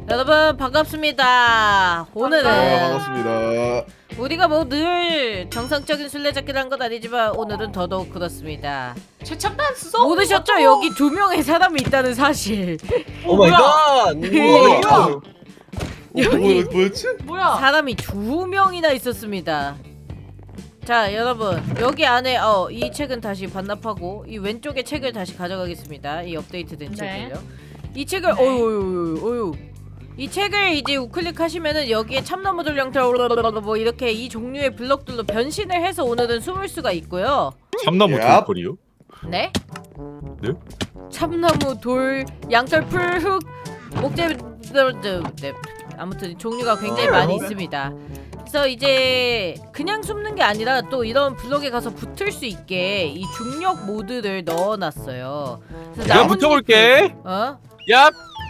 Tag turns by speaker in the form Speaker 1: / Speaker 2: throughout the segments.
Speaker 1: 여러분 반갑습니다. 오늘은
Speaker 2: 반갑습니다.
Speaker 1: 우리가 뭐 늘 정상적인 술래잡기를 한 건 아니지만 오늘은 더더욱 그렇습니다.
Speaker 3: 최첨단 수소?
Speaker 1: 모르셨죠? 여기 2명의 사람이 있다는 사실.
Speaker 4: 오 마이 갓!
Speaker 3: 뭐야?
Speaker 1: 여기
Speaker 2: 뭐였지?
Speaker 3: 뭐야?
Speaker 1: 사람이 2명이나 있었습니다. 자 여러분 여기 안에 이 책은 다시 반납하고 이 왼쪽에 책을 다시 가져가겠습니다. 이 업데이트된
Speaker 3: 네.
Speaker 1: 책을요. 이 책을
Speaker 3: 네.
Speaker 1: 어유 이 책을 이제 우클릭하시면은 여기에 참나무들 형태 뭐 이렇게 이 종류의 블럭들로 변신을 해서 오늘은 숨을 수가 있고요.
Speaker 5: 참나무
Speaker 2: 야.
Speaker 5: 돌거리요?
Speaker 1: 네?
Speaker 5: 네?
Speaker 1: 참나무, 돌, 양털, 풀, 흙, 목재, 네. 아무튼 종류가 굉장히 많이 있습니다. 그래서 이제 그냥 숨는 게 아니라 또 이런 블럭에 가서 붙을 수 있게 이 중력 모드를 넣어놨어요. 그래서
Speaker 5: 내가 붙어볼게. 야,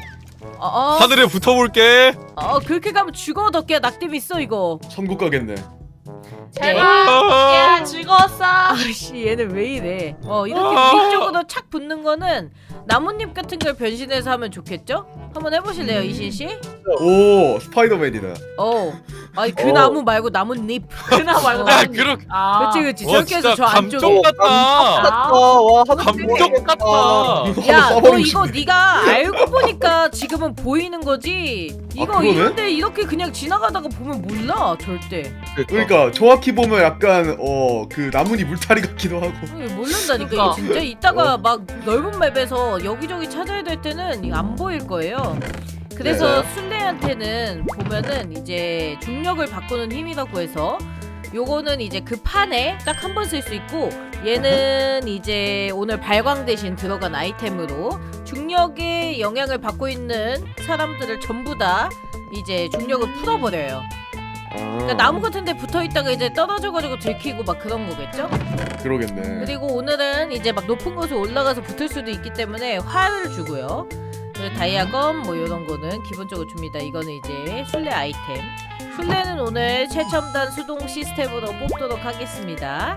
Speaker 5: 하늘에 붙어볼게.
Speaker 1: 그렇게 가면 죽어 덕기야 낙뎀 있어 이거.
Speaker 2: 천국 가겠네.
Speaker 3: 제발.
Speaker 5: 아.
Speaker 3: 야 즐거웠어.
Speaker 1: 아씨 얘는 왜 이래? 이렇게 위쪽으로 착 붙는 거는 나뭇잎 같은 걸 변신해서 하면 좋겠죠? 한번 해보실래요 이신 씨?
Speaker 2: 오 스파이더맨이다.
Speaker 1: 아니 그 나무 말고 나뭇잎.
Speaker 3: 그나 말고
Speaker 5: 야,
Speaker 3: 나는-
Speaker 5: 그렇.
Speaker 3: 아.
Speaker 1: 그치
Speaker 5: 와,
Speaker 1: 저렇게 해서
Speaker 5: 진짜
Speaker 1: 저 안쪽에.
Speaker 5: 감쪽 같다.
Speaker 4: 와, 하늘
Speaker 5: 감쪽 같다.
Speaker 2: 이거
Speaker 1: 야,
Speaker 2: 한번
Speaker 1: 너
Speaker 2: 써버리고
Speaker 1: 이거
Speaker 2: 싶네.
Speaker 1: 네가 알고 보니까 지금은 보이는 거지. 이거
Speaker 2: 그러네?
Speaker 1: 이런데 이렇게 그냥 지나가다가 보면 몰라 절대.
Speaker 2: 그러니까 정확히 보면 약간 그 나뭇잎 물타리 같기도 하고.
Speaker 1: 모른다니까
Speaker 3: 그러니까.
Speaker 1: 이거 진짜. 이따가 막 넓은 맵에서 여기저기 찾아야 될 때는 이거 안 보일 거예요. 그래서
Speaker 2: 네.
Speaker 1: 순례한테는 보면은 이제 중력을 바꾸는 힘이라고 해서 요거는 이제 그 판에 딱 한 번 쓸 수 있고, 얘는 이제 오늘 발광 대신 들어간 아이템으로 중력의 영향을 받고 있는 사람들을 전부 다 이제 중력을 풀어버려요. 그러니까 나무 같은 데 붙어있다가 이제 떨어져가지고 들키고 막 그런 거겠죠?
Speaker 2: 그러겠네.
Speaker 1: 그리고 오늘은 이제 막 높은 곳에 올라가서 붙을 수도 있기 때문에 활을 주고요. 그리고 다이아검 뭐 이런 거는 기본적으로 줍니다. 이거는 이제 술래 아이템. 술래는 오늘 최첨단 수동 시스템으로 뽑도록 하겠습니다.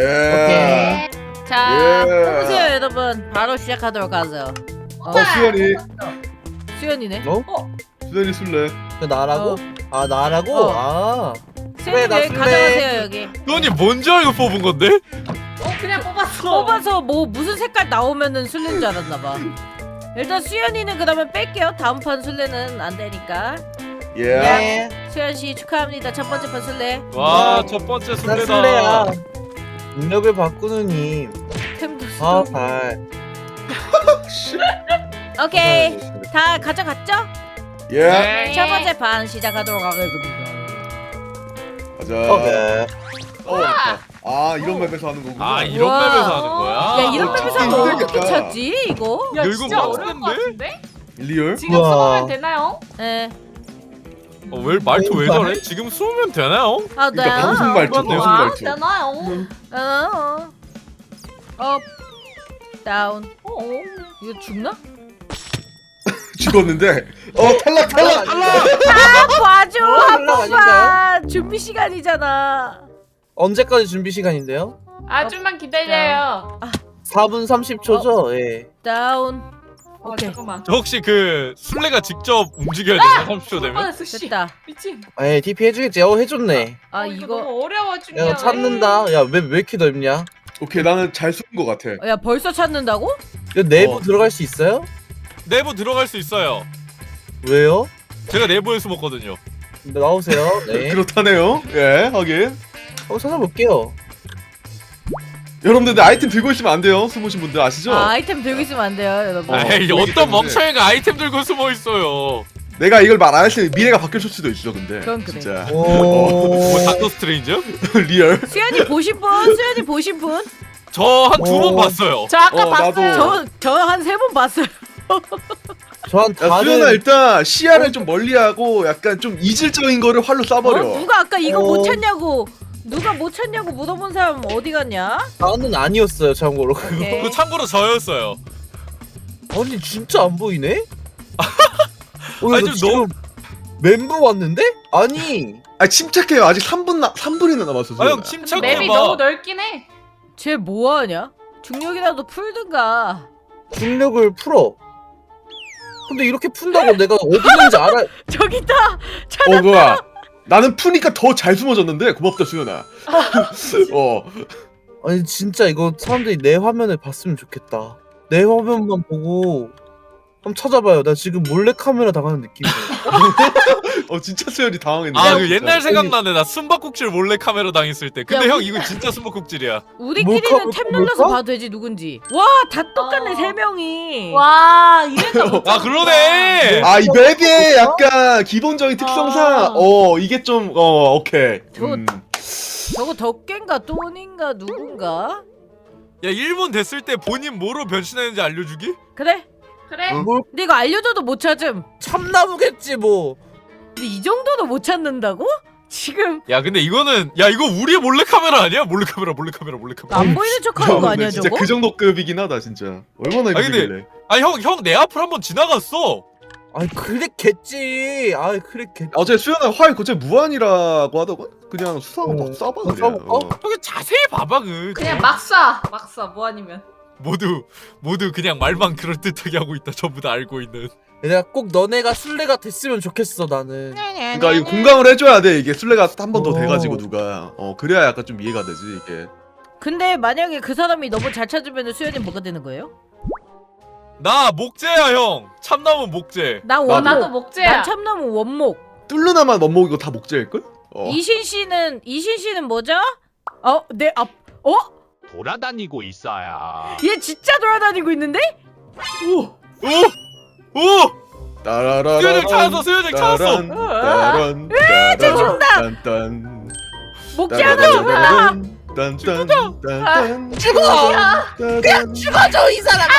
Speaker 2: 예.
Speaker 1: 자,
Speaker 2: 예.
Speaker 1: 뽑으세요 여러분. 바로 시작하도록 하죠.
Speaker 2: 수연이
Speaker 1: 수연이네.
Speaker 2: 수연이 술래.
Speaker 4: 그 나라고?
Speaker 1: 어.
Speaker 4: 아, 나라고?
Speaker 1: 어.
Speaker 4: 아.
Speaker 1: 수연이
Speaker 4: 나
Speaker 1: 네,
Speaker 4: 술래.
Speaker 1: 가져가세요 여기.
Speaker 5: 너니 뭔지 알고 뽑은 건데?
Speaker 3: 그냥 뽑았어.
Speaker 1: 뽑아서 뭐 무슨 색깔 나오면은 술래인 줄 알았나봐. 일단 수연이는 그러면 뺄게요. 다음 판 술래는 안 되니까.
Speaker 2: 예.
Speaker 4: 네.
Speaker 1: 수연 씨 축하합니다. 첫 번째 판 술래.
Speaker 5: 와, 첫 번째
Speaker 4: 나
Speaker 5: 술래다.
Speaker 4: 술래야. 능력을 바꾸는 힘.
Speaker 1: 템도
Speaker 4: 아,
Speaker 1: 수동.
Speaker 4: 발.
Speaker 1: 오케이. 다 가져갔죠?
Speaker 2: 예.
Speaker 5: 네.
Speaker 1: 첫 번째 판 시작하도록 하겠습니다.
Speaker 2: 가자.
Speaker 4: 오케이.
Speaker 2: 맞다. 이런 맵에서 하는 거구나.
Speaker 5: 아, 이런
Speaker 1: 우와.
Speaker 5: 맵에서 하는 거야?
Speaker 1: 야 이런 맵에서
Speaker 2: 진짜
Speaker 1: 하면 어떻게
Speaker 2: 힘들겠다.
Speaker 1: 찾지 이거?
Speaker 3: 야
Speaker 5: 이거
Speaker 3: 진짜 어려울
Speaker 5: 빡센데?
Speaker 3: 것 같은데?
Speaker 2: 리얼?
Speaker 3: 지금
Speaker 4: 우와.
Speaker 3: 써보면 되나요?
Speaker 1: 네.
Speaker 5: 왜 말투 왜 저래? 지금 숨으면 되나요?
Speaker 1: 아 네.
Speaker 2: 그러니까 방송 말투,
Speaker 5: 그렇네요.
Speaker 2: 방송
Speaker 3: 아
Speaker 2: 말투.
Speaker 3: 되나요?
Speaker 1: 업 다운.
Speaker 3: 어.
Speaker 1: 이거 죽나?
Speaker 2: 죽었는데. 탈락.
Speaker 1: 봐줘 한
Speaker 4: 탈락
Speaker 1: 번만. 준비 시간이잖아.
Speaker 4: 언제까지 준비 시간인데요?
Speaker 3: 아 좀만 기다려요.
Speaker 4: 4분 30초죠? 예.
Speaker 1: 다운. 오케이
Speaker 3: 잠깐만.
Speaker 5: 혹시 그 술래가 직접 움직여야 되나? 30초 되면?
Speaker 3: 아 씨.
Speaker 1: 됐다.
Speaker 3: 미친.
Speaker 4: 에 TP 해주겠지. 해줬네.
Speaker 3: 이거
Speaker 1: 이거
Speaker 3: 너무 어려워 중요.
Speaker 4: 야, 찾는다. 야, 왜 이렇게 넓냐?
Speaker 2: 오케이 나는 잘 쏜 거 같아.
Speaker 1: 야 벌써 찾는다고?
Speaker 4: 야, 내부
Speaker 2: 어.
Speaker 4: 들어갈 수 있어요?
Speaker 5: 내부 들어갈 수 있어요.
Speaker 4: 왜요?
Speaker 5: 제가 내부에 숨었거든요.
Speaker 4: 나오세요. 네.
Speaker 2: 그렇다네요. 예, 하긴.
Speaker 4: 찾아볼게요.
Speaker 2: 여러분들 근데 아이템 들고 있으면 안 돼요. 숨으신 분들 아시죠?
Speaker 1: 아이템 들고 있으면 안 돼요 여러분.
Speaker 5: 에이,
Speaker 2: 그러기
Speaker 5: 어떤
Speaker 2: 때문에.
Speaker 5: 멍청이가 아이템 들고 숨어 있어요.
Speaker 2: 내가 이걸 말 안 했으면 미래가 바뀔 수도 있어. 근데
Speaker 1: 그건 그래.
Speaker 2: 진짜
Speaker 5: 뭐
Speaker 4: 오.
Speaker 5: 닥터 스트레인지요?
Speaker 2: 리얼.
Speaker 1: 수연이 보신 분? 수연이 보신 분?
Speaker 5: 저 한 2번
Speaker 4: 오.
Speaker 5: 봤어요.
Speaker 3: 저 아까
Speaker 2: 나도.
Speaker 3: 봤어요.
Speaker 1: 저 한 3번 봤어요.
Speaker 4: 저한
Speaker 2: 야, 수연아
Speaker 4: 다른
Speaker 2: 일단 시야를 좀 멀리하고 약간 좀 이질적인 거를 활로 쏴버려.
Speaker 1: 누가 아까 이거
Speaker 4: 어.
Speaker 1: 못 찾냐고. 누가 못 찾냐고 물어본 사람 어디 갔냐?
Speaker 4: 나는 아니었어요. 참고로.
Speaker 1: 오케이.
Speaker 5: 그 참고로 저였어요.
Speaker 4: 아니 진짜 안 보이네?
Speaker 5: 아니,
Speaker 4: 아니
Speaker 5: 좀
Speaker 4: 지금 멘붕 왔는데? 아니
Speaker 2: 침착해요. 아직 3분이나 남았어.
Speaker 5: 아, 형
Speaker 2: 수연아.
Speaker 5: 침착해봐.
Speaker 3: 맵이 너무 넓긴 해.
Speaker 1: 쟤 뭐하냐? 중력이라도 풀든가.
Speaker 4: 중력을 풀어. 근데 이렇게 푼다고 내가 어디 있는지 알아?
Speaker 1: 저기 있다.
Speaker 2: 뭐야? 나는 푸니까 더 잘 숨어졌는데 고맙다 수연아.
Speaker 4: 아니 진짜 이거 사람들이 내 화면을 봤으면 좋겠다. 내 화면만 보고 한번 찾아봐요. 나 지금 몰래 카메라 당하는 느낌이야.
Speaker 2: 진짜 수연이 당황했네.
Speaker 5: 아 그
Speaker 2: 진짜.
Speaker 5: 옛날 생각나네. 나 숨바꼭질 몰래 카메라 당했을 때. 근데
Speaker 1: 야,
Speaker 5: 형 이거 진짜 숨바꼭질이야.
Speaker 1: 우리끼리는
Speaker 4: 뭘까,
Speaker 1: 탭
Speaker 4: 뭘까?
Speaker 1: 눌러서 봐도 되지 누군지. 와 다 똑같네
Speaker 3: 아.
Speaker 1: 3명이.
Speaker 3: 와 이래서
Speaker 5: 아 그러네.
Speaker 2: 이 맵의 약간 기본적인 특성상 이게 좀 오케이.
Speaker 1: 저거 덕겐가 또닌가 누군가?
Speaker 5: 야 1분 됐을 때 본인 뭐로 변신했는지 알려주기?
Speaker 1: 그래?
Speaker 3: 그래?
Speaker 4: 뭘
Speaker 1: 근데 이거 알려줘도 못 찾음.
Speaker 4: 참나무겠지 뭐.
Speaker 1: 근데 이 정도도 못 찾는다고? 지금
Speaker 5: 야 근데 이거는 야 이거 우리의 몰래 카메라 아니야? 몰래 카메라.
Speaker 1: 안 보이는 척하는 거 아니야
Speaker 2: 진짜
Speaker 1: 저거?
Speaker 2: 그 정도 급이긴 하다 진짜. 얼마나
Speaker 5: 아니, 근데-
Speaker 2: 힘들길래.
Speaker 5: 아 형 내 앞을 한번 지나갔어.
Speaker 4: 아이 그랬겠지. 아이 그랬겠지.
Speaker 2: 어제 수연아 화일 고체 무한이라고 하더군. 그냥 수상한 거 써봐 그래.
Speaker 4: 써볼까?
Speaker 5: 형이 자세히 봐봐 그.
Speaker 3: 그냥 막쏴 뭐 아니면
Speaker 5: 모두 그냥 말만 그럴듯하게 하고 있다. 전부 다 알고 있는.
Speaker 4: 내가 꼭 너네가 술래가 됐으면 좋겠어 나는.
Speaker 2: 그러니까 이거 공감을 해줘야 돼. 이게 술래가 한 번 더
Speaker 4: 어.
Speaker 2: 돼가지고 누가 그래야 약간 좀 이해가 되지 이게.
Speaker 1: 근데 만약에 그 사람이 너무 잘 찾으면 수현이 뭐가 되는 거예요?
Speaker 5: 나 목재야 형. 참나무 목재.
Speaker 1: 나
Speaker 2: 나도.
Speaker 1: 원목.
Speaker 3: 나도 목재야.
Speaker 1: 난 참나무 원목.
Speaker 2: 뚫르나만 원목이고 다 목재일 걸?
Speaker 1: 이신 씨는 뭐죠? 내 앞.
Speaker 6: 돌아다니고 있어요.
Speaker 1: 얘 진짜 돌아다니고 있는데?
Speaker 5: 오!
Speaker 2: 따라라라.
Speaker 5: 수현이 찾았어. 수현이 찾았어.
Speaker 2: 따란.
Speaker 1: 쟤 죽는다.
Speaker 2: 딴딴.
Speaker 1: 목재 하나 죽는다.
Speaker 2: 딴딴.
Speaker 4: 죽어! 그냥 죽어줘 이 사람아!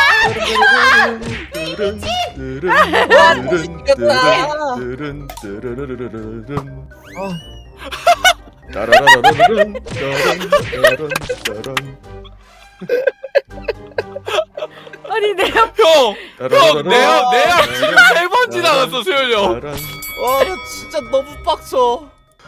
Speaker 1: 아니 내 앞.
Speaker 5: 형내앞 지금 3번 지나갔어 수현이 형.
Speaker 4: 나 진짜 너무 빡쳐.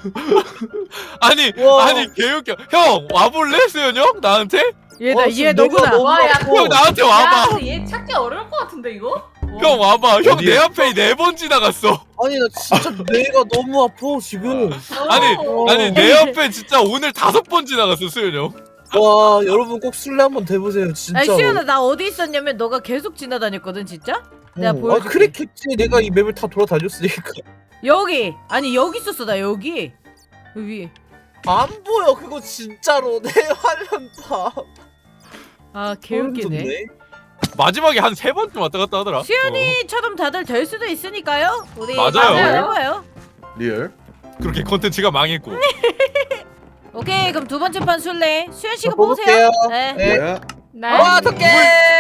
Speaker 5: 아니
Speaker 4: 와.
Speaker 5: 아니 개웃겨. 형 와볼래 수현이 형 나한테?
Speaker 1: 얘
Speaker 4: 지금
Speaker 1: 너구나.
Speaker 4: 내가 너무
Speaker 3: 와, 야,
Speaker 4: 아파.
Speaker 5: 형 나한테
Speaker 3: 야
Speaker 5: 와봐.
Speaker 3: 근데 얘 찾기 어려울 것 같은데 이거?
Speaker 5: 형 와봐. 형 내
Speaker 2: 어디에?
Speaker 5: 앞에 4번 지나갔어.
Speaker 4: 아니 나 진짜 뇌가 너무 아파 지금.
Speaker 5: 아니 내 앞에 진짜 오늘 5번 지나갔어 수현이 형.
Speaker 4: 와 여러분 꼭 술래 한번 대보세요 진짜로.
Speaker 1: 아니 수현아 나 어디 있었냐면 너가 계속 지나다녔거든 진짜? 내가 보여줄게.
Speaker 4: 그랬겠지. 내가 이 맵을 다 돌아다녔으니까.
Speaker 1: 여기 여기 있었어 나 여기 위에.
Speaker 4: 안 보여 그거 진짜로. 내 화면 봐.
Speaker 1: 아 개웃기네.
Speaker 4: 네
Speaker 5: 마지막에 한 3번쯤 왔다 갔다 하더라.
Speaker 1: 수현이처럼 다들 될 수도 있으니까요. 우리
Speaker 5: 맞아요.
Speaker 1: 해봐요.
Speaker 2: 리얼.
Speaker 5: 그렇게 컨텐츠가 망했고.
Speaker 1: 오케이 그럼 두 번째 판 술래. 수현 씨가
Speaker 4: 자,
Speaker 1: 뽑으세요.
Speaker 4: 뽑을게요.
Speaker 1: 네.
Speaker 4: 네.
Speaker 2: 뭐야?
Speaker 3: 네.
Speaker 4: 와 덕계.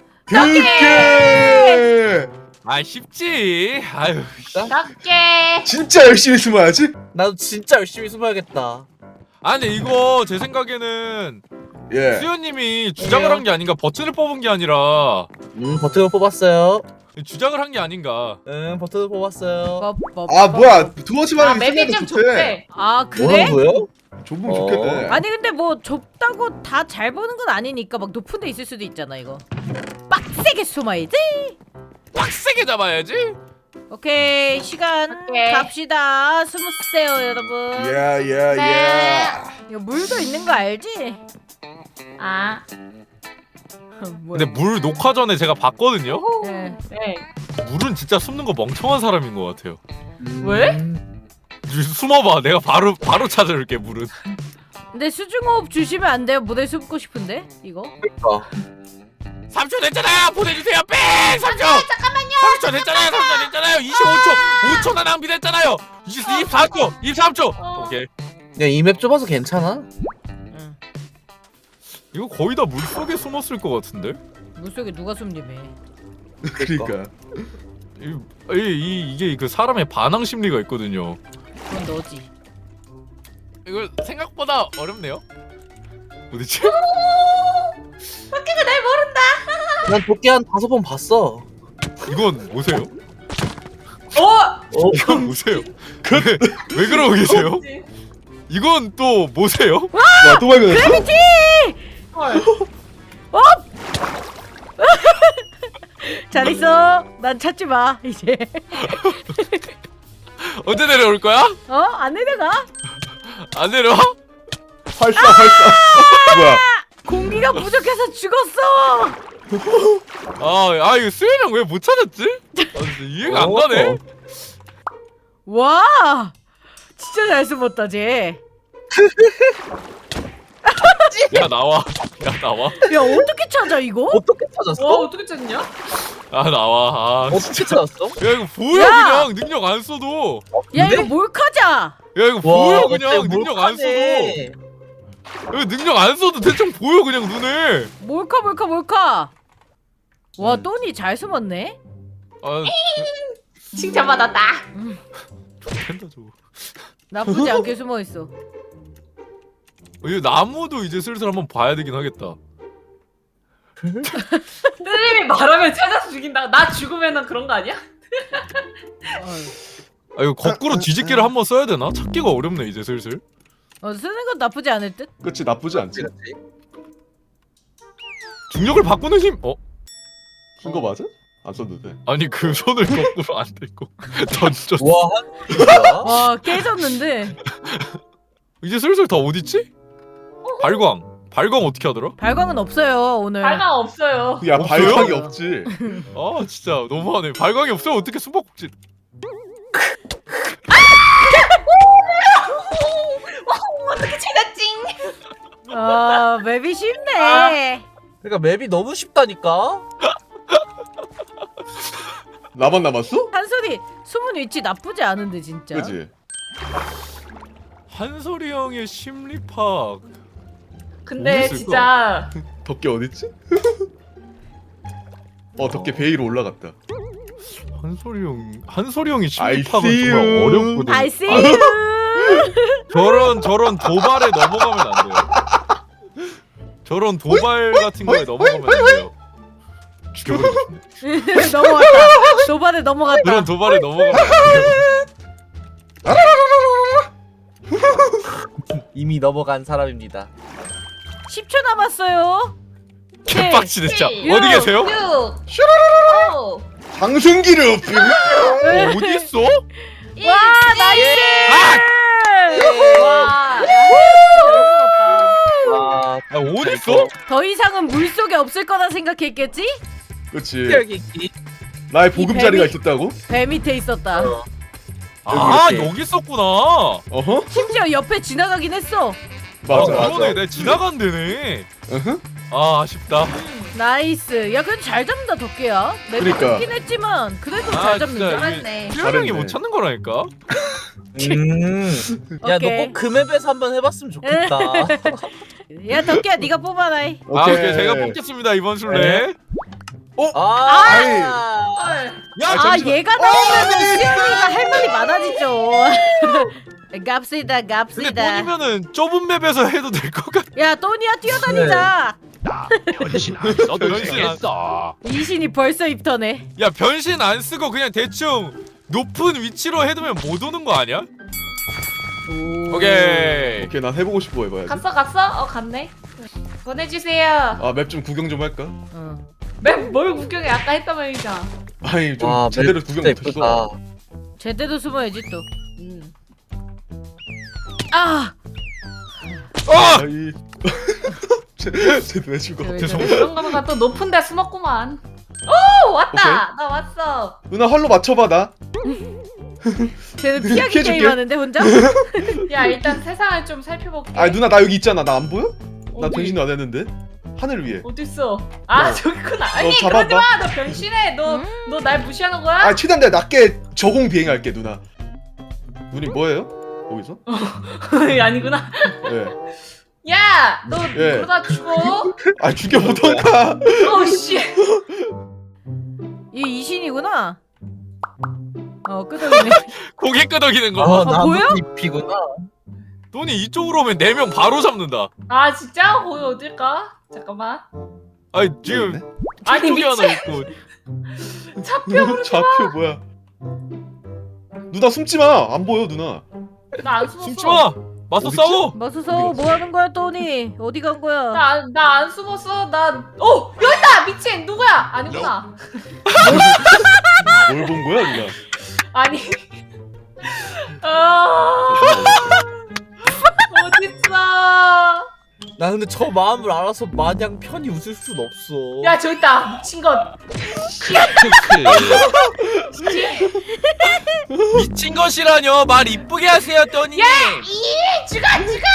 Speaker 2: 그게
Speaker 5: 아 쉽지. 아유.
Speaker 3: 덕계.
Speaker 2: 진짜 열심히 숨어야지.
Speaker 4: 나도 진짜 열심히 숨어야겠다.
Speaker 5: 아니 이거 제 생각에는
Speaker 2: 예.
Speaker 5: 수현님이 주장을 한 게 아닌가. 버튼을 뽑은 게 아니라
Speaker 4: 버튼을 뽑았어요.
Speaker 5: 주장을 한 게 아닌가.
Speaker 4: 버튼을 뽑았어요.
Speaker 2: 뭐야 두 번째
Speaker 3: 아
Speaker 2: 만에
Speaker 3: 맵이 좀
Speaker 2: 좋대.
Speaker 3: 좁대.
Speaker 1: 아 그래?
Speaker 4: 뭐라고요?
Speaker 2: 좁으면 좋겠네.
Speaker 1: 아니 근데 뭐 좁다고 다 잘 보는 건 아니니까 막 높은 데 있을 수도 있잖아 이거. 빡세게 숨어야지.
Speaker 5: 빡세게 잡아야지.
Speaker 1: 오케이 시간
Speaker 3: 오케이.
Speaker 1: 갑시다. 숨으세요 여러분.
Speaker 2: 예예예.
Speaker 3: 네.
Speaker 1: 이거 물도 있는 거 알지?
Speaker 3: 아.
Speaker 1: 뭐야.
Speaker 5: 근데 물 녹화 전에 제가 봤거든요.
Speaker 1: 네.
Speaker 3: 네.
Speaker 5: 물은 진짜 숨는 거 멍청한 사람인 것 같아요.
Speaker 3: 왜?
Speaker 5: 숨어봐. 내가 바로 찾아올게 물은.
Speaker 1: 근데 수중호흡 주시면 안 돼요. 무대 숨고 싶은데 이거.
Speaker 4: 그러니까.
Speaker 5: 3초 됐잖아요. 보내주세요. 뺑 3초. 잠깐만요. 3초 됐잖아요. 3초 됐잖아요. 25초. 5초나 낭비됐잖아요. 24초. 23초. 오케이.
Speaker 4: 야 이 맵 좁아서 괜찮아?
Speaker 1: 응.
Speaker 5: 이거 거의 다 물속에 숨었을 것 같은데?
Speaker 1: 물속에 누가 숨지매.
Speaker 2: 그러니까.
Speaker 5: 이게 그 사람의 반항 심리가 있거든요.
Speaker 1: 그건 너지.
Speaker 5: 이거 생각보다 어렵네요. 어디지?
Speaker 3: 덕계가 날 모른다.
Speaker 4: 난 도끼 한 5번 봤어.
Speaker 5: 이건 뭐세요? 이건 뭐세요? 왜 그러고 계세요? 이건 또 뭐세요?
Speaker 2: 와, 또 발견했어?
Speaker 3: 헐.
Speaker 1: 잘 있어. 난 찾지 마 이제.
Speaker 5: 언제 내려올 거야?
Speaker 1: 안 내려가?
Speaker 5: 안 내려와?
Speaker 2: 활사. 뭐야?
Speaker 1: 공기가 부족해서 죽었어.
Speaker 5: 아 이거 수현이 형 왜 못 찾았지? 아, 진짜 이해가 안 가네.
Speaker 1: 와, 진짜 잘 숨었다 쟤.
Speaker 5: 야 나와. 야 나와.
Speaker 1: 야 어떻게 찾아 이거?
Speaker 4: 어떻게 찾았어?
Speaker 3: 와 어떻게 찾냐?
Speaker 5: 아 나와. 아,
Speaker 4: 어떻게 찾았어?
Speaker 5: 야 이거 보여
Speaker 1: 야!
Speaker 5: 그냥 능력 안 써도.
Speaker 1: 야
Speaker 4: 근데?
Speaker 1: 이거 몰카자.
Speaker 5: 야 이거 보여 그냥
Speaker 4: 어때?
Speaker 5: 능력 안 써도.
Speaker 4: 몰카네.
Speaker 5: 이거 능력 안 써도 대충 보여 그냥 눈에.
Speaker 1: 몰카. 와 또니 잘 숨었네.
Speaker 5: 아
Speaker 3: 칭찬받았다.
Speaker 5: 된다 저거.
Speaker 1: 나쁘지 않게 숨어 있어.
Speaker 5: 이 나무도 이제 슬슬 한번 봐야 되긴 하겠다.
Speaker 3: 뜨님이 말하면 찾아서 죽인다. 나 죽으면은 그런 거 아니야?
Speaker 5: 아 이거 거꾸로 뒤집기를 한번 써야 되나? 찾기가 어렵네 이제 슬슬.
Speaker 1: 쓰는 건 나쁘지 않을 듯.
Speaker 2: 그치 나쁘지 않지.
Speaker 5: 중력을 바꾸는 힘.
Speaker 2: 쓴 거 맞아? 안 써도 돼.
Speaker 5: 아니 그 손을 거꾸로 안 들고 던졌어.
Speaker 4: 와, 진짜?
Speaker 1: 와 깨졌는데.
Speaker 5: 이제 슬슬 다 어딨지? 발광 어떻게 하더라?
Speaker 1: 발광은 없어요 오늘.
Speaker 3: 발광 없어요.
Speaker 2: 야
Speaker 5: 없어요?
Speaker 2: 발광이 없지.
Speaker 5: 아 진짜 너무하네. 발광이 없으면 어떻게 숨바꼭질?
Speaker 3: 어떻게 찾았지?
Speaker 1: 맵이 쉽네.
Speaker 4: 그러니까 맵이 너무 쉽다니까.
Speaker 2: 나만 남았어?
Speaker 1: 한솔이 숨은 위치 나쁘지 않은데 진짜.
Speaker 2: 그지.
Speaker 5: 한솔이 형의 심리학.
Speaker 3: 근데
Speaker 5: 어디
Speaker 3: 진짜
Speaker 2: 덕계 어딨지? 덕계 베이로 올라갔다.
Speaker 5: 한솔이 형이
Speaker 2: I
Speaker 5: 심리학은
Speaker 2: see
Speaker 5: 정말
Speaker 2: you.
Speaker 5: 어렵거든.
Speaker 1: I see you.
Speaker 5: 저런 도발에 넘어가면 안 돼요. 저런 도발 같은 거에 넘어가면 안 돼요. 죽여버리고 싶네.
Speaker 1: 넘어갔다. 도발에 넘어갔다.
Speaker 5: 그런 도발에 넘어가면 안 돼요.
Speaker 4: 이미 넘어간 사람입니다.
Speaker 1: 10초 남았어요.
Speaker 5: 개빡치네 진짜.
Speaker 3: 칠,
Speaker 5: 어디 계세요?
Speaker 3: 6 5
Speaker 2: 장순기를 엎이고.
Speaker 5: 어디 있어?
Speaker 1: 와 나이스.
Speaker 3: 와.
Speaker 4: 아,
Speaker 5: 아 어디 있어?
Speaker 1: 더 이상은 물 속에 없을 거다 생각했겠지?
Speaker 2: 그치.
Speaker 4: 혈기기.
Speaker 2: 나의 보금자리가
Speaker 1: 뱀이-
Speaker 2: 있었다고?
Speaker 1: 배 밑에 있었다.
Speaker 5: 아
Speaker 4: 이렇게.
Speaker 5: 여기 있었구나.
Speaker 2: 어허.
Speaker 1: 심지어 옆에 지나가긴 했어.
Speaker 2: 맞아
Speaker 5: 그러네.
Speaker 2: 맞아.
Speaker 5: 내가 지나간 데네.
Speaker 2: 어허.
Speaker 5: 아 아쉽다.
Speaker 1: 나이스. 야 그래도 잘 잡는다 덕계야. 내가
Speaker 2: 그러니까.
Speaker 1: 잡긴 했지만 그래도
Speaker 5: 아,
Speaker 1: 잘 잡는다.
Speaker 5: 진짜.
Speaker 3: 잘했네.
Speaker 5: 수현이 형이 못 찾는 거라니까.
Speaker 4: 야, 너
Speaker 1: 오케이.
Speaker 4: 꼭 그 맵에서 한번 해봤으면 좋겠다.
Speaker 1: 야 덕계야 네가 뽑아라.
Speaker 5: 아 오케이 제가 뽑겠습니다 이번 술래.
Speaker 2: 아이.
Speaker 3: 헐.
Speaker 5: 야
Speaker 1: 아
Speaker 5: 잠시만.
Speaker 1: 얘가 나오면 수현이가 할 말이 많아지죠. 갑시다
Speaker 5: 근데
Speaker 1: 갑시다.
Speaker 5: 돈이면은 좁은 맵에서 해도 될 것 같아.
Speaker 1: 야 또니야 뛰어다니자.
Speaker 6: 나 변신 안 써도
Speaker 5: 변신 안
Speaker 6: 되겠어.
Speaker 1: 이신이 벌써 입터네.
Speaker 5: 야 변신 안 쓰고 그냥 대충 높은 위치로 해두면 못 오는 거 아니야? 오케이.
Speaker 2: 오케이 난 해보고 싶어 해봐야지.
Speaker 3: 갔어? 갔네. 보내주세요.
Speaker 2: 아 맵 좀 구경 좀 할까?
Speaker 1: 어.
Speaker 3: 뭘 구경해? 아까 했단 말이잖아.
Speaker 2: 아니 좀
Speaker 4: 와,
Speaker 2: 제대로
Speaker 4: 맵
Speaker 2: 구경
Speaker 4: 진짜
Speaker 2: 못했어.
Speaker 4: 예쁘다.
Speaker 1: 제대로 숨어야지 또.
Speaker 3: 음.
Speaker 1: 아
Speaker 5: 아!
Speaker 2: 아이. 쟤왜 죽어?
Speaker 1: 왜
Speaker 5: 죄송합니다.
Speaker 3: 그런 거보다 또 높은 데 숨었구만. 오 왔다. 나 왔어.
Speaker 2: 누나 활로 맞춰봐 나.
Speaker 1: 쟤는 피하기
Speaker 2: 피해줄게.
Speaker 1: 게임 하는데 혼자?
Speaker 3: 야 일단 세상을 좀 살펴볼게.
Speaker 2: 아 누나 나 여기 있잖아. 나 안 보여? 나
Speaker 3: 어디?
Speaker 2: 변신도 안 했는데. 하늘 위에.
Speaker 3: 어딨어? 아
Speaker 2: 어.
Speaker 3: 저기구나. 아니
Speaker 2: 잡아봐.
Speaker 3: 그러지 마. 너 변신해. 너 날 무시하는 거야?
Speaker 2: 아 최대한 내가 낮게 저공 비행할게 누나. 누님 뭐예요? 거기서?
Speaker 3: 아니구나.
Speaker 2: 네.
Speaker 3: 야, 너
Speaker 2: 예.
Speaker 3: 그러다 죽어.
Speaker 2: 아 죽여보던가.
Speaker 3: 어 씨.
Speaker 1: 이 이신이구나. 끄덕이네.
Speaker 5: 고개 끄덕이는 거.
Speaker 4: 아, 나무
Speaker 1: 보여?
Speaker 4: 잎이구나.
Speaker 5: 돈이 이쪽으로 오면 4명 바로 잡는다.
Speaker 3: 아 진짜? 거기 어딜까? 잠깐만.
Speaker 5: 아니 지금
Speaker 3: 아니,
Speaker 5: 쪽이 하나
Speaker 3: 미친.
Speaker 5: 있고.
Speaker 3: 잡혀.
Speaker 2: 좌표 뭐야? 누나 숨지 마. 안 보여 누나.
Speaker 3: 나안 숨었어.
Speaker 5: 숨지 마. 맞서
Speaker 2: 어딨지?
Speaker 5: 싸워.
Speaker 1: 마수서
Speaker 2: 어디
Speaker 1: 뭐 하는 거야 또니? 어디 간 거야?
Speaker 3: 나 안 숨었어. 여기 있다. 미친 누구야? 아니구나.
Speaker 2: 뭘 본 거야 누가?
Speaker 3: 아니. 아 어딨어?
Speaker 4: 나 근데 저 마음을 알아서 마냥 편히 웃을 순 없어.
Speaker 3: 야 저기 있다. 미친 것.
Speaker 5: 미친 것이라뇨. 말 이쁘게 하세요 또니.
Speaker 3: 죽어.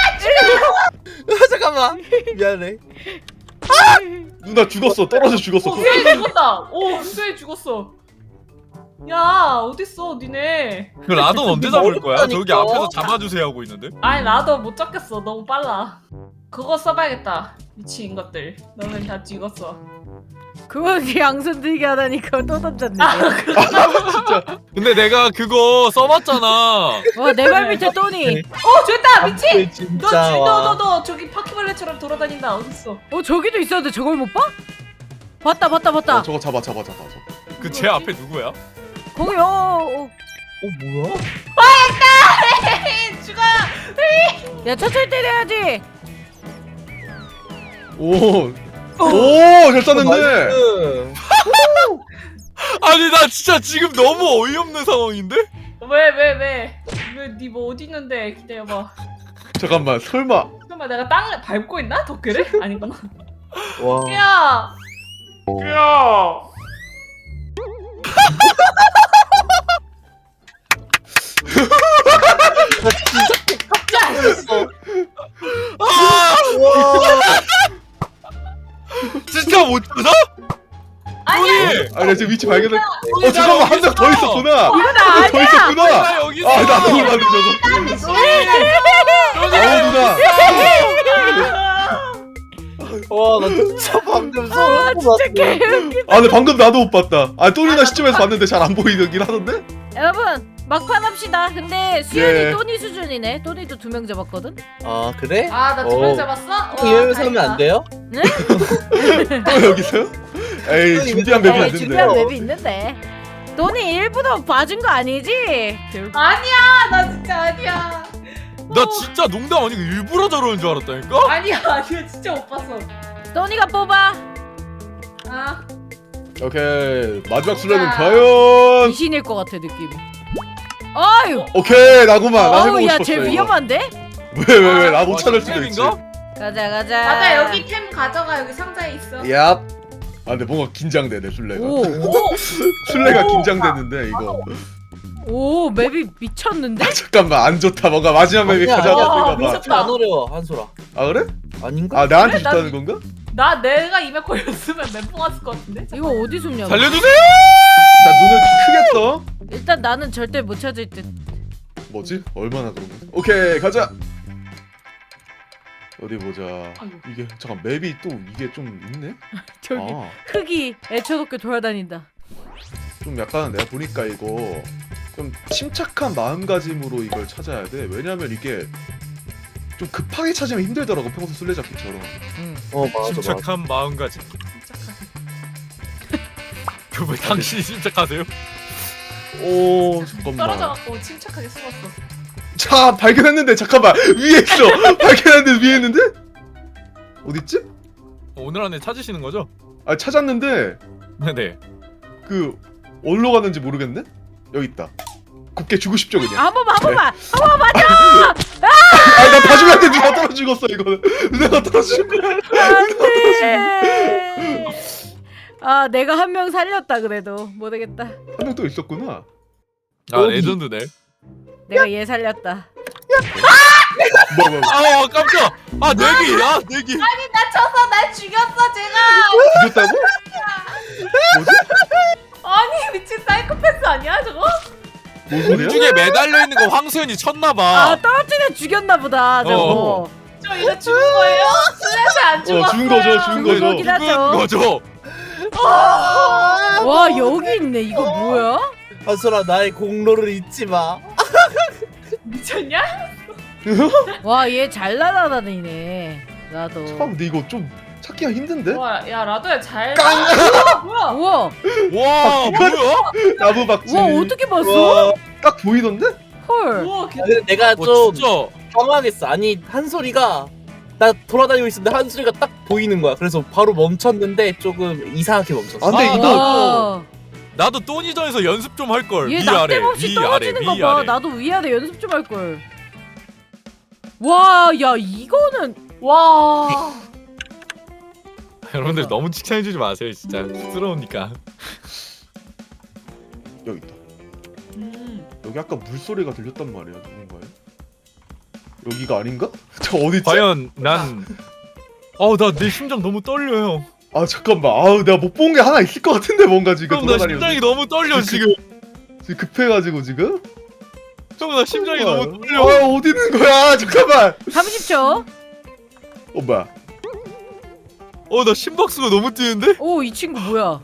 Speaker 4: 잠깐만. 미안해.
Speaker 2: 누나 죽었어. 떨어져 죽었어.
Speaker 3: 수혜 죽었다. 수혜 죽었어. 야 어딨어 니네?
Speaker 5: 그 라돈 언제 잡을 거야?
Speaker 4: 어렵다니까.
Speaker 5: 저기 앞에서 잡아주세요 하고 있는데.
Speaker 3: 아니 나도 못 잡겠어. 너무 빨라. 그거 써봐야겠다. 미친 것들. 너는 다 죽었어.
Speaker 1: 그걸 양손 들게 하다니까 또 던졌네.
Speaker 5: 근데 내가 그거 써봤잖아.
Speaker 1: 와 내 발 밑에 또니.
Speaker 3: 됐다 미친.
Speaker 4: 진짜.
Speaker 3: 너 저기 바퀴벌레처럼 돌아다닌다. 어딨어?
Speaker 1: 저기도 있었는데 저걸 못 봐? 봤다.
Speaker 2: 저거 잡아.
Speaker 5: 그 제 앞에 누구야?
Speaker 1: 거기요.
Speaker 4: 뭐야?
Speaker 3: 죽어.
Speaker 1: 야 천천히 때려야지.
Speaker 2: 오잘 쐈는데.
Speaker 4: 나이스.
Speaker 5: 아니 나 진짜 지금 너무 어이없는 상황인데?
Speaker 3: 왜 니 뭐 어디 있는데? 기다려봐.
Speaker 2: 잠깐만 설마.
Speaker 3: 설마 내가 땅을 밟고 있나? 덕크를? 아니구나.
Speaker 4: 와.
Speaker 3: 야.
Speaker 5: 진짜 못 찾아?
Speaker 3: 아니야.
Speaker 2: 아니 나 지금 위치 발견했.
Speaker 5: 나
Speaker 2: 잠깐만
Speaker 5: 여기
Speaker 2: 한 명 더
Speaker 5: 있어.
Speaker 2: 있었구나.
Speaker 1: 이거 나
Speaker 2: 더
Speaker 1: 아니야.
Speaker 2: 있었구나.
Speaker 5: 나 여기 있어.
Speaker 2: 나 몰랐네 저거. 누나.
Speaker 4: 와, 나 진짜 방금 소름
Speaker 1: 아 진짜
Speaker 4: 돋았어.
Speaker 1: 개웃기.
Speaker 2: 근데 방금 나도 못 봤다. 또니나 시점에서 봤는데 잘 안 보이긴 하던데?
Speaker 1: 여러분 막판 합시다. 근데 수현이
Speaker 2: 예.
Speaker 1: 또니 수준이네. 또니도 2명 잡았거든.
Speaker 4: 아, 그래?
Speaker 3: 나 두 명 잡았어?
Speaker 4: 이러면서 하면 안 돼요?
Speaker 2: 또 여기서요? 에이 준비한 맵이 안
Speaker 1: 준비한
Speaker 2: 된대.
Speaker 1: 맵이 있는데. 또니 일부러 봐준 거 아니지?
Speaker 3: 아니야. 나 진짜 아니야.
Speaker 5: 나 진짜 농담 아니고 일부러 저러는 줄 알았다니까?
Speaker 3: 아니야 진짜 못 봤어.
Speaker 1: 또니가 뽑아.
Speaker 3: 아
Speaker 2: 오케이 마지막 술래는 과연.
Speaker 1: 귀신일 것 같아 느낌이. 아유.
Speaker 2: 오케이 나구만. 나 해보고
Speaker 1: 어우
Speaker 2: 싶었어.
Speaker 1: 야쟤
Speaker 2: 이거.
Speaker 1: 위험한데?
Speaker 2: 왜 나 못 찾을 수도 있지.
Speaker 5: 템인가?
Speaker 1: 가자.
Speaker 3: 맞아 여기 템 가져가. 여기 상자에 있어.
Speaker 2: 얍. 근데 뭔가 긴장되네 술래가.
Speaker 1: 오.
Speaker 2: 술래가 긴장되는데 이거.
Speaker 1: 오 맵이 미쳤는데?
Speaker 2: 잠깐만 안 좋다. 뭔가 마지막 맵이
Speaker 4: 아니야,
Speaker 2: 가장
Speaker 3: 아니야.
Speaker 2: 나쁜가 봐.
Speaker 3: 미쳤다.
Speaker 4: 안 어려워, 한솔아.
Speaker 2: 아 그래?
Speaker 4: 아닌가?
Speaker 2: 아 나한테
Speaker 3: 그래? 난-
Speaker 2: 좋다는 건가?
Speaker 3: 내가 입에 걸렸으면 멘붕 왔을 것 같은데?
Speaker 1: 이거 어디 숨냐고.
Speaker 5: 살려주세요!
Speaker 2: 나 눈을 크게 떠.
Speaker 1: 일단 나는 절대 못 찾을 듯.
Speaker 2: 뭐지? 얼마나 그런 거지? 오케이 가자. 어디 보자.
Speaker 3: 아이고.
Speaker 2: 이게 잠깐 맵이 또 이게 좀 있네.
Speaker 1: 저기
Speaker 2: 아,
Speaker 1: 흙이 애처롭게 돌아다닌다.
Speaker 2: 좀 약간 내가 보니까 이거 좀 침착한 마음가짐으로 이걸 찾아야 돼. 왜냐면 이게 좀 급하게 찾으면 힘들더라고 평소 술래잡기처럼.
Speaker 4: 맞아.
Speaker 5: 침착한 마음가짐. 왜 당신이 침착하세요?
Speaker 2: 오 잠깐만.
Speaker 3: 떨어져갖고 침착하게 숨었어.
Speaker 2: 자 발견했는데 잠깐만 위에 있어. 발견했는데 위에 있는데? 어딨지?
Speaker 5: 오늘 안에 찾으시는 거죠?
Speaker 2: 아 찾았는데
Speaker 5: 네네.
Speaker 2: 그 어디로 갔는지 모르겠네? 여기 있다. 곱게 주고 싶죠 그냥.
Speaker 1: 한 번만.
Speaker 2: 아니 나 봐주면 안 돼. 누가 떨어 죽었어 이거는. 내가 떨어 죽은 거야.
Speaker 1: 안돼. 아 내가 한 명 살렸다 그래도 모르겠다.
Speaker 2: 한 명 또 있었구나.
Speaker 5: 아 레전드네.
Speaker 1: 내가 얘 살렸다.
Speaker 2: 뭐야.
Speaker 5: 아 깜짝. 아 내기. 내기.
Speaker 3: 아니 나 쳤어. 날 죽였어 제가.
Speaker 2: 죽였다고? 뭐지?
Speaker 3: 아니 미친 사이코패스 아니야 저거?
Speaker 2: 뭔 소리야?
Speaker 5: 공중에 매달려 있는 거 황수연이
Speaker 1: 아
Speaker 5: 쳤나봐.
Speaker 1: 떨어지면 죽였나 보다 저거.
Speaker 3: 저 이거 죽은 거예요? 슬래시 안 죽었어요.
Speaker 2: 죽은 거죠 죽은 거죠.
Speaker 1: 거긴 하죠.
Speaker 5: 거죠.
Speaker 1: 와 여기 있네. 이거 뭐야?
Speaker 4: 한솔아, 나의 공로를 잊지 마.
Speaker 3: 미쳤냐?
Speaker 1: 와 얘 잘 날아다니네. 나도.
Speaker 2: 참 근데 이거 좀 찾기가 힘든데?
Speaker 3: 야 라도야 잘.
Speaker 2: 깡!
Speaker 3: 뭐야?
Speaker 1: 우와.
Speaker 5: 와 뭐야?
Speaker 2: 나무 박쥐.
Speaker 1: 와 어떻게 봤어?
Speaker 4: 와,
Speaker 2: 딱 보이던데?
Speaker 1: 헐.
Speaker 3: 우와
Speaker 4: 근데 내가
Speaker 5: 와
Speaker 4: 좀
Speaker 5: 진짜.
Speaker 4: 당황했어. 아니 한솔이가 나 돌아다니고 있었는데 한솔이가 딱 보이는 거야. 그래서 바로 멈췄는데 조금 이상하게 멈췄어.
Speaker 2: 아, 근데
Speaker 5: 아,
Speaker 2: 이거
Speaker 1: 와,
Speaker 5: 나도 또니전에서 연습 좀 할 걸.
Speaker 1: 얘
Speaker 5: 위 아래,
Speaker 1: 낙뎀없이
Speaker 5: 위 아래,
Speaker 1: 떨어지는 거
Speaker 5: 위
Speaker 1: 봐.
Speaker 5: 아래.
Speaker 1: 나도 위아래 연습 좀 할 걸. 와, 야 이거는
Speaker 3: 와.
Speaker 5: 여러분들 너무 칭찬해주지 마세요. 진짜 쑥스러우니까.
Speaker 2: 여기 있다. 여기 아까 물소리가 들렸단 말이야. 누군가요? 여기가 아닌가? 저 어디지?
Speaker 5: 과연 난. 나 내 심장 너무 떨려요.
Speaker 2: 아 잠깐만. 아우 내가 못 본 게 하나 있을 것 같은데 뭔가 지금
Speaker 5: 형 나
Speaker 2: 돌아다니면서.
Speaker 5: 심장이 너무 떨려 지금.
Speaker 2: 지금 급해가지고 지금.
Speaker 5: 형 나 심장이 너무 떨려.
Speaker 2: 아 어디 있는 거야? 잠깐만.
Speaker 1: 30초.
Speaker 2: 뭐야?
Speaker 5: 나 심박수가 너무 뛰는데?
Speaker 1: 오, 이 친구 뭐야?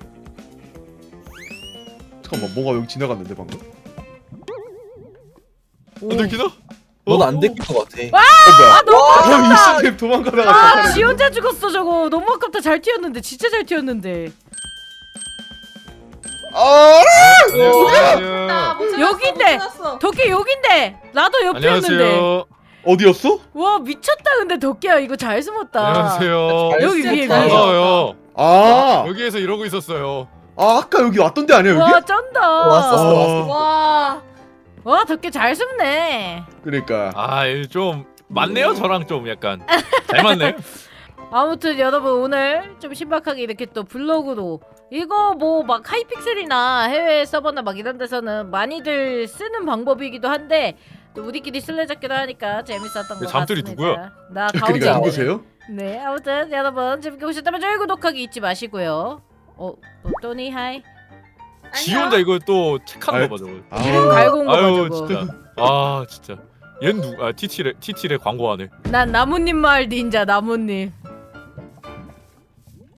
Speaker 2: 잠깐만 뭔가 여기 지나갔는데 방금?
Speaker 1: 오.
Speaker 5: 안 들키나?
Speaker 4: 넌 안 들킬 것 같아.
Speaker 2: 뭐야?
Speaker 1: 너무
Speaker 2: 형 이승님 도망가다가
Speaker 1: 아,
Speaker 2: 자살했네.
Speaker 1: 지 혼자 죽었어 저거. 너무 아깝다. 잘 튀었는데. 진짜 잘 튀었는데.
Speaker 2: 아!
Speaker 3: 나 못 찾았어,
Speaker 1: 여긴데.
Speaker 3: 못 찾았어.
Speaker 1: 덕기 여긴데. 나도 옆이었는데.
Speaker 5: 안녕하세요.
Speaker 2: 어디였어?
Speaker 1: 와, 미쳤다. 근데 덕기야 이거 잘 숨었다.
Speaker 5: 안녕하세요.
Speaker 4: 잘
Speaker 1: 여기 위에
Speaker 3: 진짜
Speaker 1: 위에.
Speaker 5: 반가워요.
Speaker 2: 아,
Speaker 5: 여기에서 이러고 있었어요.
Speaker 2: 아 아까 여기 왔던 데 아니야 여기?
Speaker 1: 와, 쩐다.
Speaker 4: 왔었어, 왔어.
Speaker 3: 와.
Speaker 1: 와, 덕기 잘 숨네.
Speaker 2: 그러니까.
Speaker 5: 좀 맞네요. 저랑 좀 약간 잘 맞네요.
Speaker 1: 아무튼 여러분 오늘 좀 신박하게 이렇게 또 블로그로 이거 뭐 막 하이픽셀이나 해외 서버나 막 이런 데서는 많이들 쓰는 방법이기도 한데 또 우리끼리 술래잡기도 하니까 재밌었던 것 같습니다.
Speaker 5: 잠들이 누구야?
Speaker 1: 나
Speaker 2: 그러니까
Speaker 1: 가운데.
Speaker 2: 누구세요?
Speaker 1: 네, 아무튼 여러분 재밌게 보셨다면 좋아요 구독하기 잊지 마시고요. 또니 하이.
Speaker 5: 지 혼자 이거 또 체크하는
Speaker 2: 아이,
Speaker 5: 거 봐 저거.
Speaker 1: 이름 갈고 온 거 봐
Speaker 5: 아유
Speaker 1: 저거.
Speaker 5: 진짜. 얘는 티티레 광고하네.
Speaker 1: 난 나뭇잎 마을 닌자 나뭇잎.